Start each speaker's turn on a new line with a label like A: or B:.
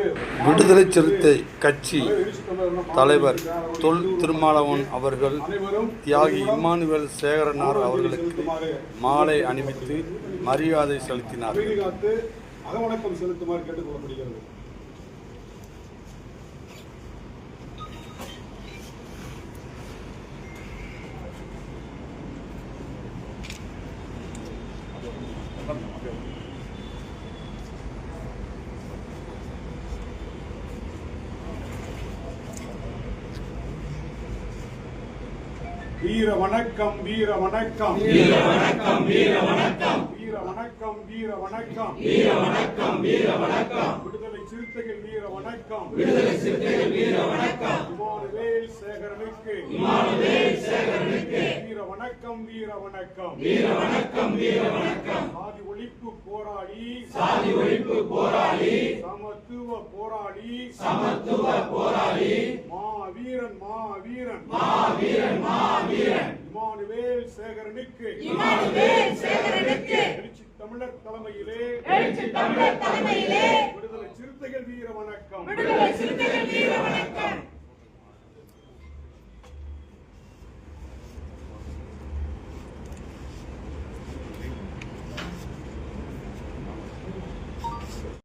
A: விடுதலை சிறுத்தை கட்சி தலைவர் தொல் திருமாவளவன் அவர்கள் தியாகி இம்மானுவேல் சேகரனார் அவர்களுக்கு மாலை அணிவித்து மரியாதை செலுத்தினார்.
B: அகவணக்கம் செலுத்துமாறு கேட்டுக்கொள்ளப்படுகிறது. வீர வணக்கம், வீர வணக்கம், வீர வணக்கம், வீர வணக்கம், வீர வணக்கம், வீர வணக்கம், வீர வணக்கம், வீர வணக்கம், விடுதலை சிறுத்தைகள் வீர வணக்கம், விடுதலை சிறுத்தைகள் வீர வணக்கம், இம்மானுவேல் சேகரனுக்கு, இம்மானுவேல் சேகரனுக்கு வீர வணக்கம், வீர வணக்கம், வீர வணக்கம், வீர வணக்கம், சாதி ஒழிப்பு போராளி, சாதி ஒழிப்பு போராளி, சமத்துவ போராளி, சமத்துவ போராளி, மாவீரன், மாவீரன், மாவீரன், மாவீரன், இம்மானுவேல் சேகரனுக்கு, இம்மானுவேல் சேகரனுக்கு எழுச்சி தமிழர் தலைமையிலே, எழுச்சி தமிழர் தலைமையிலே விடுதலை சிறுத்தைகள் வீர வணக்கம், விடுதலை சிறுத்தைகள் வீர